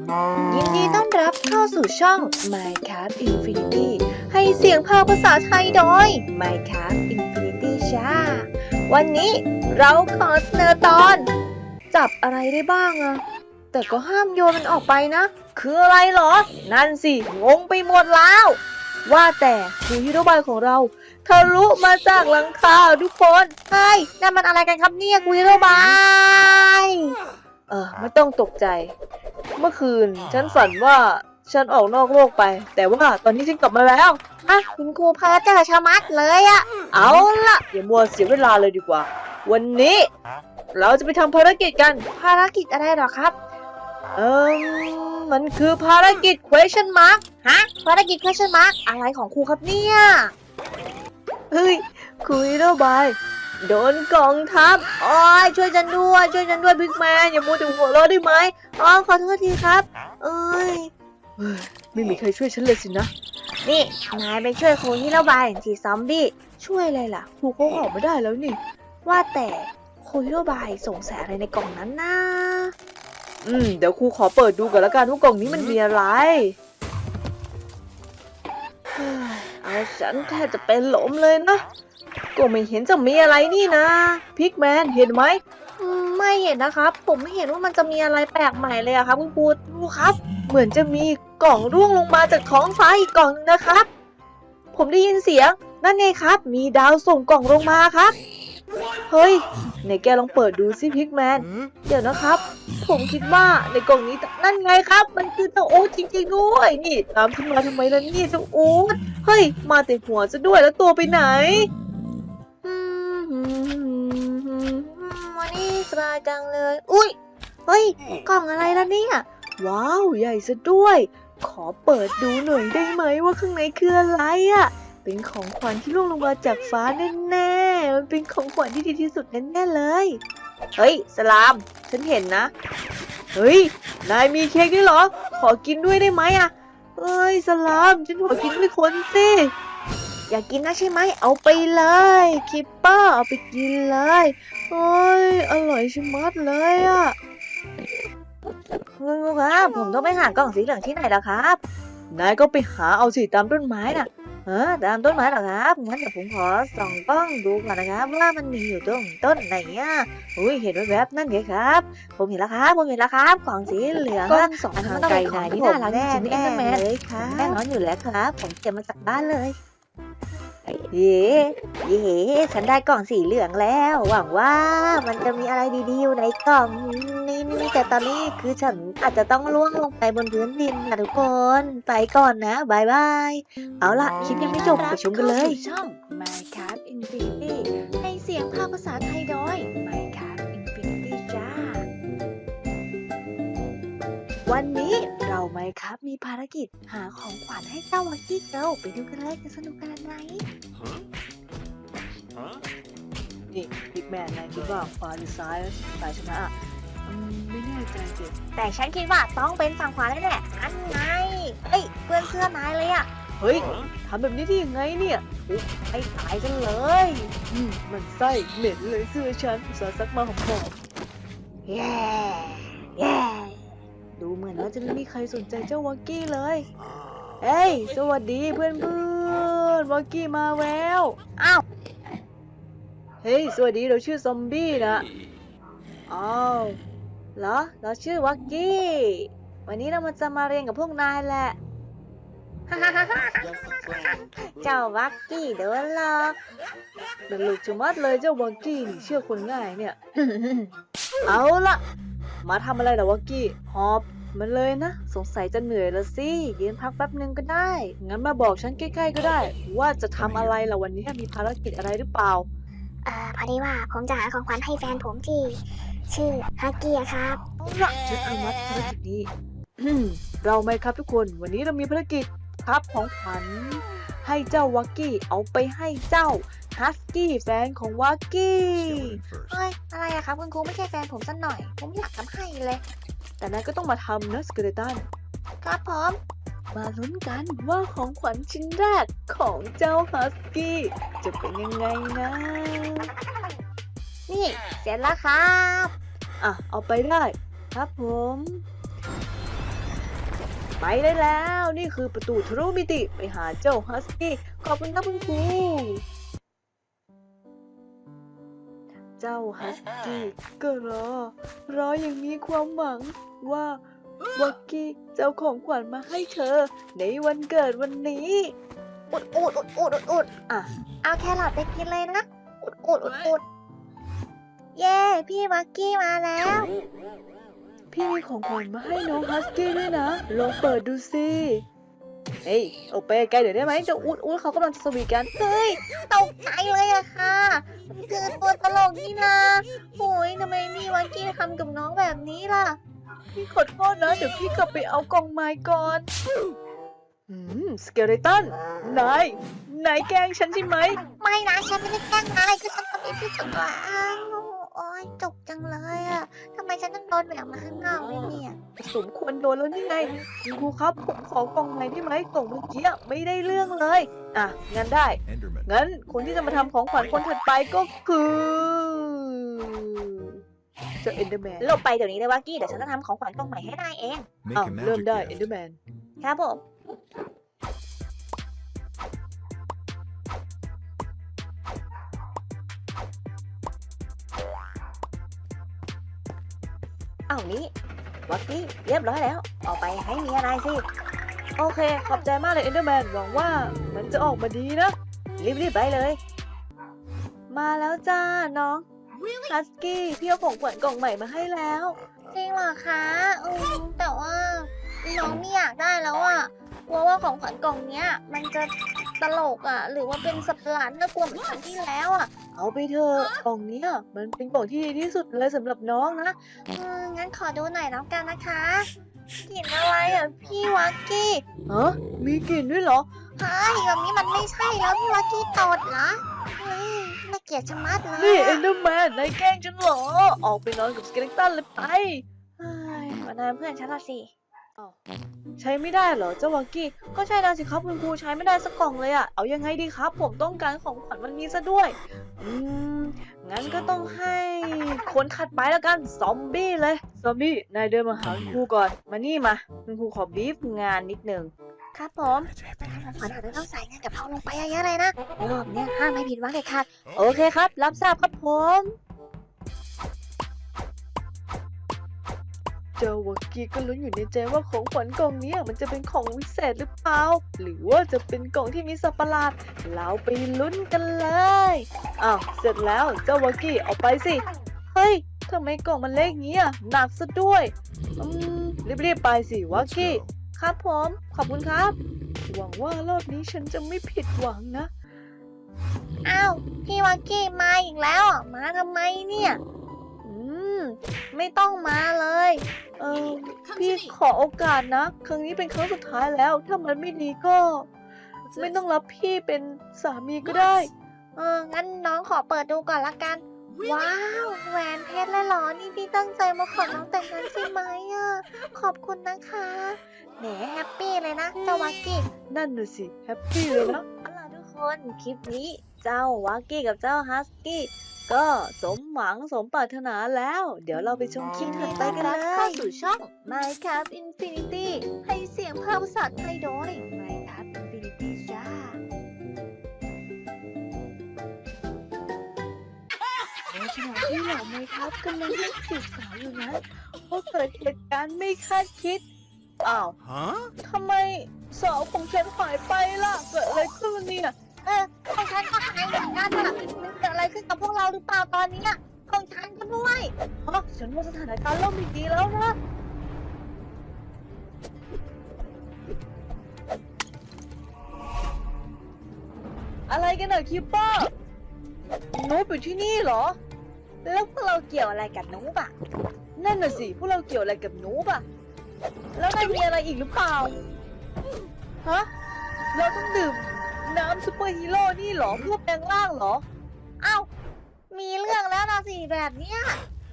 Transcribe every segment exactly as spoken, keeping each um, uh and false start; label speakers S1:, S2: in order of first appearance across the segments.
S1: ยินดีต้อนรับเข้าสู่ช่อง Minecraft Infinity ให้เสียงภาคภาษาไทยโดย Minecraft Infinity จ้าวันนี้เราขอเสนอตอน จับอะไรได้บ้างอะแต่ก็ห้ามโยนมันออกไปนะ คืออะไรหรอ นั่นสิ งงไปหมดแล้ว ว่าแต่คือฮีโร่บายของเราทะลุมาจากหลังคาทุกคนเฮ้ยนั่นมันอะไรกันครับเนี่ยคุยฮีโร่บายเออไม่ต้องตกใจเมื่อคืนฉันฝันว่าฉันออกนอกโลกไปแต่ว่าตอนนี้ฉันกลับมาแล้วอ่ะคุณครูเพอเจอชะมัดเลยอะเอาล่ะอย่ามัวเสียเวลาเลยดีกว่าวันนี้เราจะไปทำภารกิจกันภารกิจอะไรหรอครับเออมันคือภารกิจ question mark ฮะภารกิจ question mark อะไรของครูครับเนี่ยเฮ้ยคุยแล้วบายโดนกองทัพโอ้ยช่วยฉันด้วยช่วยฉันด้วยบิ๊กแมนอย่ามัวแต่หัวเราะได้ไหมอ๋อขอโทษทีครับเอ้ยไม่มีใครช่วยฉันเลยสินะนี่นายไปช่วยครูที่ระบายสีซอมบี้ช่วยอะไรล่ะครูเขาออกไม่ได้แล้วนี่ว่าแต่ครูที่ระบายสงสัยอะไรในกล่องนั้นนะอืมเดี๋ยวครูขอเปิดดูก่อนละกันว่ากล่องนี้มันมีอะไรเอาฉันแทบจะเป็นลมเลยนะก็ไม่เห็นจะมีอะไรนี่นะพิกแมนเห็นไหมไม่เห็นนะครับผมไม่เห็นว่ามันจะมีอะไรแปลกใหม่เลยอะครับคุณครูดูครับเหมือนจะมีกล่องร่วงลงมาจากท้องฟ้าอีกกล่องนึงนะครับผมได้ยินเสียงนั่นไงครับมีดาวส่งกล่องลงมาครับเฮ้ยไหนแกลองเปิดดูสิพิกแมนเดี๋ยวนะครับผมคิดว่าในกล่องนี้นั่นไงครับมันคือเจ้าโอ๊ตจริงๆด้วยนี่ตามขึ้นมาทำไมล่ะนี่เจ้าโอ๊ตเฮ้ยมาแต่หัวซะด้วยแล้วตัวไปไหนวันนี้สบายจังเลยอุ้ยเฮ้ยกล่องอะไรล่ะเนี่ยว้าวใหญ่ซะด้วยขอเปิดดูหน่อยได้ไหมว่าข้างในคืออะไรอ่ะเป็นของขวัญที่ร่วงลงมาจากฟ้าแน่ๆมันเป็นของขวัญที่ดีที่สุดแน่ๆเลยเฮ้ยสลามฉันเห็นนะเฮ้ยนายมีเค้กด้วยเหรอขอกินด้วยได้ไหมอ่ะเฮ้ยสลามฉันขอกินด้วยคนสิอยากกินนะใช่ไหมเอาไปเลยคิปเปอร์เอาไปกินเลยโอ้ยอร่อยชะมัดเลยอ่ะคุณครูครับผมต้องไปหากล่องสีเหลืองที่ไหนล่ะครับนายก็ไปหาเอาสิตามต้นไม้น่ะเออตามต้นไม้เหรอครับงั้นเดี๋ยวผมขอส่องกล้องดูก่อนนะครับว่ามันมีอยู่ตรงต้นไหนอ่ะอุ้ยเห็นแวบๆนั่นไงครับผมเห็นแล้วครับผมเห็นแล้วครับกล่องสีเหลืองกล้องสองทางไกลนายนี่น่ารักจริงๆแน่เลยครับแน่นอนอยู่แล้วครับผมเก็บมาจากบ้านเลยเย้เย้ฉันได้กล่องสีเหลืองแล้วหวังว่ามันจะมีอะไรดีๆอยู่ในกล่องนี้นี่แต่ตอนนี้คือฉันอาจจะต้องล่วงลงไปบนพื้นดินนะทุกคนไปก่อนนะบายบายเอาล่ะคลิปยังไม่จบไปชมกันเลยช่อง Minecraft Infinity ให้เสียงภาคภาษาไทยโดย Minecraft Infinity จ้าวันนี้เราไหมครับมีภารกิจหาของขวัญให้เจ้าวักกี้เกิลไปดูกันเลยจะสนุกขนาดไหนนี่พิกแมนนายคิดว่าขวาหรือซ้ายซ้ายชนะอ่ะอืมไม่แน่ใจสิแต่ฉันคิดว่าต้องเป็นฝั่งขวาแน่ๆอันไงเอ้ยเพื่อนเสื้อนายเลยอ่ะเฮ้ยทำแบบนี้ได้ยังไงเนี่ยไปตายกันเลยอืมมันไส้เหม็นเลยเสื้อฉันอุตส่าห์ซักมาหอมๆแย่แย่ดูเหมือนว่าจะไม่มีใครสนใจเจ้าวักกี้เลยเฮ้ยสวัสดีเพื่อนเพื่อนวักกี้มาแล้วอ้าวเฮ้ยสวัสดีเราชื่อซอมบี้นะอ้าวเหรอเราชื่อวักกี้วันนี้เรามาจะมาเรียนกับพวกนายแหละเจ้าวักกี้โดนหลอกเดือดลุกชะมัดเลยเจ้าวักกี้นี่เชื่อคนง่ายเนี่ย เอาล่ะมาทำอะไรล่ะวักกี้หอบมันเลยนะสงสัยจะเหนื่อยละสิยืนพักแป๊บนึงก็ได้งั้นมาบอกฉันใกล้ๆก็ได้ว่าจะทำอะไรล่ะวันนี้มีภารกิจอะไรหรือเปล่า
S2: เอ่อพอดีว่าผมจะหาของขวัญให้แฟนผมที่ชื่อฮักกี้ครับ
S1: เอาละฉันอนุมัติภารกิจนี้เราไหมครับทุกคนวันนี้เรามีภารกิจครับของขวัญให้เจ้าวักกี้เอาไปให้เจ้าฮัสกี้แฟนของวักกี้
S2: เฮ้ยอะไรอะครับคุณครูไม่ใช่แฟนผมสักหน่อยผมอยากทำให้เลย
S1: แต่นายก็ต้องมาทำนะสเกเลตัน
S2: ครับผม
S1: มาลุ้นกันว่าของขวัญชิ้นแรกของเจ้าฮัสกี้จะเป็นยังไงนะ
S2: นี่เสร็จแล้วครับ
S1: อ่ะเอาไปได้ครับผมไปได้แล้วนี่คือประตูทะลุมิติไปหาเจ้าฮัสกี้ขอบคุณครับคุณครูเจ้าฮัสกี้ก็รอรออย่างมีความหวังว่าวักกี้เจ้าของขวัญมาให้เธอในวันเกิดวันนี้อุดอุดอุดอุดอุดอุดอ่ะเอาแครอทไปกินเลยนะอุดอุดอุดอุดเย้พี่วักกี้มาแล้วพี่มีของขวัญมาให้น้องฮัสกี้ด้วยนะลองเปิดดูสิเฮ้ยโอเปแกเดี๋ยวได้ไหมเจ้าอุดอุดเขากำลังจะสวีทกันเฮ้ยตกใจเลยอะค่ะมันคือตัวตลกนี่นะโอ้ยทำไมพี่วักกี้ทำกับน้องแบบนี้ล่ะพี่ขอโทษนะเดี๋ยวพี่กลับไปเอากล่องไม้ก่อนอืมสเกเลตันนายนายแกล้งฉันใช่ไหมไม่นะฉันไม่ได้แกล้งนายคือฉันทำให้พี่จุกอ่ะโอ้ยจุกจังเลยอ่ะทำไมฉันต้องโดนแหวกมาข้างนอกเลยเนี่ยสมควรโดนแล้วนี่ไงคุณครูครับผมขอกล่องไม้ได้ไหมกล่องเมื่อกี้ไม่ได้เรื่องเลยอ่ะงั้นได้
S3: Enderman.
S1: งั้นคนที่จะมาทำของขวัญคนถัดไปก็คือเจ้าเอนเดอร์แมนหลบไปเดี๋ยวนี้เลยวักกี้เดี๋ยวฉันจะทำของขวัญกล่องใหม่ให้นายเอง
S3: Make
S1: อ้าว
S3: a
S1: เริ่ม
S3: magic
S1: ได้
S3: gift.
S1: เอนเดอร์แมนครับผมอ้าวนี่วักกี้เรียบร้อยแล้วเอาไปให้เมียนายสิโอเคขอบใจมากเลยเอนเดอร์แมนหวังว่ามันจะออกมาดีนะรีบๆไปเลยมาแล้วจ้าน้องฮัสกี้พี่เอาของขวัญกล่องใหม่มาให้แล้วจริงเหรอคะอืมแต่ว่าน้องไม่อยากได้แล้วอ่ะกลัวว่าของขวัญกล่องเนี้ยมันจะตลกอ่ะหรือว่าเป็นสัตว์ประหลาดน่ากลัวเหมือนครั้งที่แล้วอ่ะเอาไปเถอะกล่องเนี้ยมันเป็นกล่องที่ดีที่สุดเลยสำหรับน้องนะอืมงั้นขอดูหน่อยแล้วกันนะคะกลิ่นอะไรอ่ะพี่วักกี้ฮะมีกลิ่นด้วยเหรอเฮ้ยแบบนี้มันไม่ใช่แล้วพี่วักกี้ตดเหรอเฮ้ยน่าเกลียดชะมัดเลยนี่เอนเดอร์แมนนายแกล้งฉันเหรอออกไปนอนกับสเกเลตันเลยไปเฮ้ยมานายเพื่อนฉันละสิใช้ไม่ได้เหรอเจ้าวักกี้ก็ใช่นะสิครับคุณครูใช้ไม่ได้สักกล่องเลยอะเอายังไงดีครับผมต้องการของขวัญวันนี้ซะด้วยอืมงั้นก็ต้องให้คนถัดไปแล้วกันซอมบี้เลยซอมบี้นายเดินมาหาคุณครูก่อนมานี่มาคุณครูขอบีฟงานนิดนึงครับผมของขวัญอาจจะต้องใส่เงินกับเราลงไปเยอะๆเลยนะรอบนี้ห้ามไม่ผิดหวังเด็ดขาดโอเคครับรับทราบครับผมเจ้าวักกี้ก็ลุ้นอยู่ในใจว่าของขวัญกล่องนี้มันจะเป็นของวิเศษหรือเปล่าหรือว่าจะเป็นกล่องที่มีสัตว์ประหลาดเราไปลุ้นกันเลยอ้าวเสร็จแล้วเจ้าวักกี้เอาไปสิเฮ้ยทำไมกล่องมันเล็กงี้อ่ะหนักซะด้วยอืมรีบๆไปสิวัก
S3: Let's
S1: กี้
S3: go.
S1: ครับผมขอบคุณครับหวังว่ารอบนี้ฉันจะไม่ผิดหวังนะอ้าวพี่วักกี้มาอีกแล้วอ่ะมาทำไมเนี่ยอืมไม่ต้องมาเลยเออพี่ขอโอกาสนะครั้งนี้เป็นครั้งสุดท้ายแล้วถ้ามันไม่ดีก็ไม่ต้องรับพี่เป็นสามีก็ได้เอองั้นน้องขอเปิดดูก่อนละกันว้าวแหวนเพชรเลยเหรอนี่พี่ตั้งใจมาขอน้องแต่งงานใช่ไหมอ่ะขอบคุณนะคะแหมแฮปปี้เลยนะเจ้าวักกี้นั่นน่ะสิแฮปปี้เลยนะเอาล่ะทุกคนคลิปนี้เจ้าวักกี้กับเจ้าฮัสกี้ก็สมหวังสมปรารถนาแล้ว เดี๋ยวเราไปชมคลิปถัดไปกันเลยเข้าสู่ช่อง Minecraft Infinity ให้เสียงภาคภาษาไทยโดย Minecraft Infinity จ้าในขณะที่เหล่า Minecraft กำลังเล่นจีบสาวอยู่นั้นก็เกิดเหตุการณ์ไม่คาดคิดอ้าว
S3: Huh?
S1: ทำไมสาวของฉันหายไปล่ะเกิดอะไรขึ้นเนี่ยเออของฉันก็หายเหมือนกันอะมันเกิดอะไรขึ้นกับพวกเราหรือเปล่าตอนนี้ของฉันก็ด้วยฮะฉันว่าสถานการณ์เริ่มไม่ดีแล้วนะอะไรกันอะคิปเปอร์นูบอยู่ที่นี่เหรอแล้วพวกเราเกี่ยวอะไรกับนูบอะนั่นน่ะสิพวกเราเกี่ยวอะไรกับนูบอะแล้วนายมีอะไรอีกหรือเปล่าฮะเราต้องดื่มน้ำซูเปอร์ฮีโร่นี่เหรอเพื่อแปลงร่างเหรออ้าวมีเรื่องแล้วนะสิแบบเนี้ย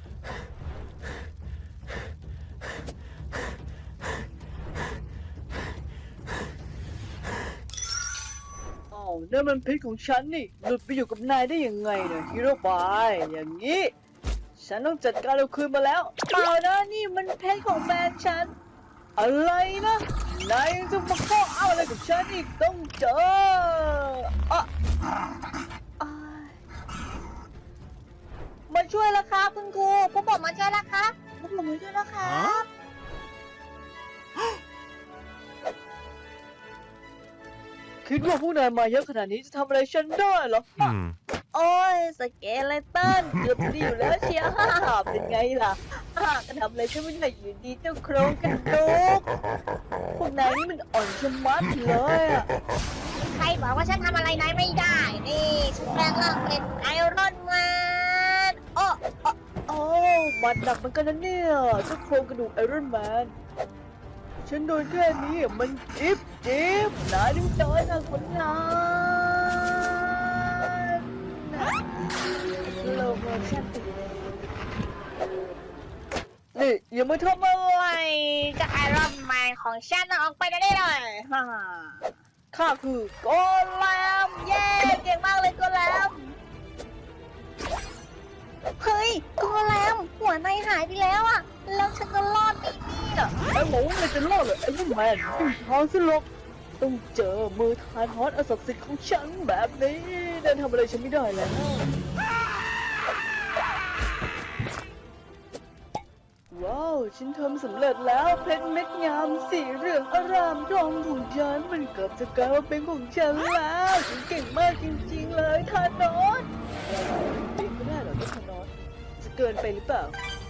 S1: อ้าวนั่นมันเพชรของฉันนี่หลุดไปอยู่กับนายได้ยังไงเนี่ยฮีโร่บายอย่างนี้ฉันต้องจัดการเอาคืนมาแล้วเปล่านะนี่มันเพชรของแฟนฉันอะไรนะนายยังจะมาข้ออ้างอะไรกับฉันอีกต้องเจออ่ะอ่ะมาช่วยแล้วครับคุณครูผมบอกมาช่วยแล้วครับผมบอกมาช่วยแล้วครับคิดว่าพวกนายมาเยอะขนาดนี้จะทำอะไรฉันได้เหรอ
S3: Hmm.
S1: โอ้ยสเกเลตันเกือบจะดีอยู่แล้วเชียวฮ่าเป็นไงล่ะฮ่าก็ทำอะไรฉันไม่ได้อยู่ดีเจ้าโครงกระดูกพวกนายนี่มันอ่อนชะมัดเลยอ่ะ
S2: ใครบอกว่าฉันทำอะไรนายไม่ได้ นี่ฉันแปลงร่างเป็นไอรอนแมน
S1: อ้ออ้อโอ้มันหนักเหมือนกันนะเนี่ยเจ้าโครงกระดูกไอรอนแมนฉันโดนแค่นี้มันจิ๊บจิ๊บนายดูจอยนะคนงานโลโมชั่นตีนี่อย่ามาทำอะไร
S2: จะไอรอนแมนของฉันออกไปได้เลยฮ่า
S1: ข้าคือโกแลมเย้เก่งมากเลยโกแลม
S2: เฮ้ยโกแลมหัวนายหายไปแล้วอะแล้วฉันก็รอดไปนี่เหรอ
S1: ไอ้หมูมันจะรอดเหรอไอ้ลูกแมนไม่ท้องสิหรอกต้องเจอมือทานฮอตอศักดิ์สิทธิ์ของฉันแบบนี้เดินทำอะไรฉันไม่ได้แล้วว้าวฉันทำสำเร็จแล้วเพชรเม็ดงามสีเหลืองอารามทองของฉันมันเกือบจะกลายมาเป็นของฉันแล้วฉันเก่งมากจริงๆเลยทานอสเองไม่ได้เหรอทานอสจะเกินไปหรือเปล่า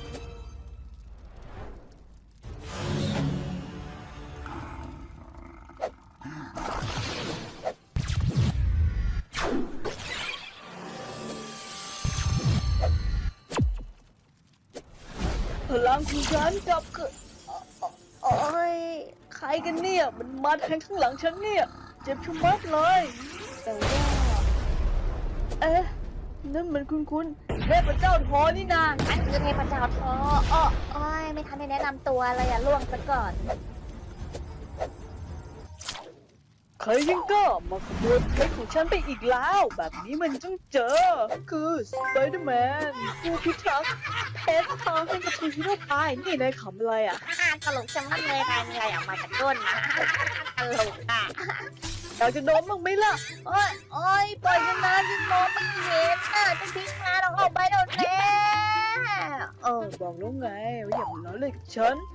S1: พลังของฉันกลับคือโอ้ยใครกันเนี่ยมันมาแทงข้างหลังฉันเนี่ยเจ็บชะมัดเลยแต่ว่าเอ๊ะนั่นมันคุ้นๆเทพเจ้าทอนี่นา
S2: อันคือเทพเจ้าทออ้อโอ้ยไม่ทันได้แนะนำตัวเลยอะล่วงซะก่อน
S1: ใครยังก็มาขโมยเพชรของฉันไปอีกแล้วแบบนี้มันต้องเจอคือสไปเดอร์แมนผู้พิทักษ์เพชรทองให้กับผู้ที่รอดตายนี่นายขำอะไรอ่ะ
S2: ฮ่าตลกจังมันเลยนายมีอะไรออกมาจากก้นนะตลกอ่ะ
S1: อยากจะโดนบ้างไหมล่ะ
S2: โอ้ยโอ้ยปล่อยฉันนะฉันมองไม่เห็นน่ะจะทิ้งงานเราออกไปเดี๋ยวนี้
S1: เออบอกแล้วไงว่าอย่ามาล้อเล่นกับฉัน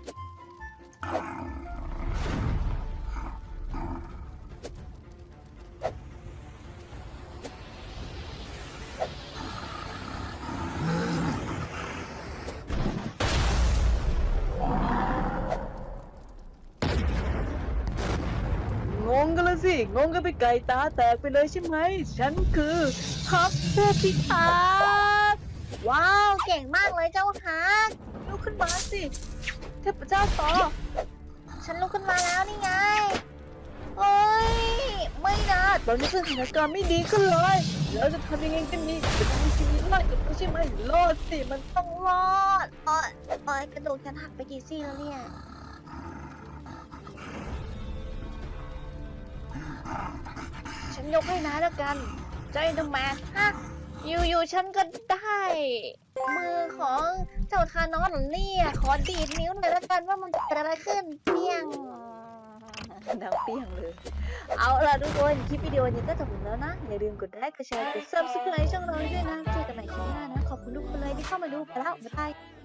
S1: งงกันละสิงงกันไปไก่ตาแตกไปเลยใช่ไหมฉันคือฮับผู้พิทักษ์
S2: ว้าวเก่งมากเลยเจ้าฮัก
S1: ลุกขึ้นมาสิเทพเจ้าต่อ
S2: ฉันลุกขึ้นมาแล้วนี่ไง
S1: โอ้ยไม่นะตอนนี้สถานการณ์ไม่ดีขึ้นเลยแล้วจะทำยังไงกันดีจะทำชีวิตรอดกับเขาใช่ไหมรอดสิมันต้องรอด
S2: โอ้ยโอ้ยกระดูกฉันหักไปกี่ซี่แล้วเนี่ย
S1: ฉันยกให้นะแล้วกันใจดมมาฮะอยู่ๆฉันก็ได้
S2: มือของเจ้าทานอสเหรอเนี่ยขอดีดนิ้วหน่อยแล้วกันว่ามันเกิดอะไรขึ้นเปี้ยง
S1: ดังเปี้ยงเลย เอาล่ะทุกคนคลิปวิดีโอนี้ก็จบแล้วนะ อย่าลืมกดไลค์กดแชร์กด ซับสไครบ์ ช่องเราด้วยนะเจอกันใหม่คลิปหน้านะ ขอบคุณทุกคนเลยที่เข้ามาดูไปแล้วบ๊ายบาย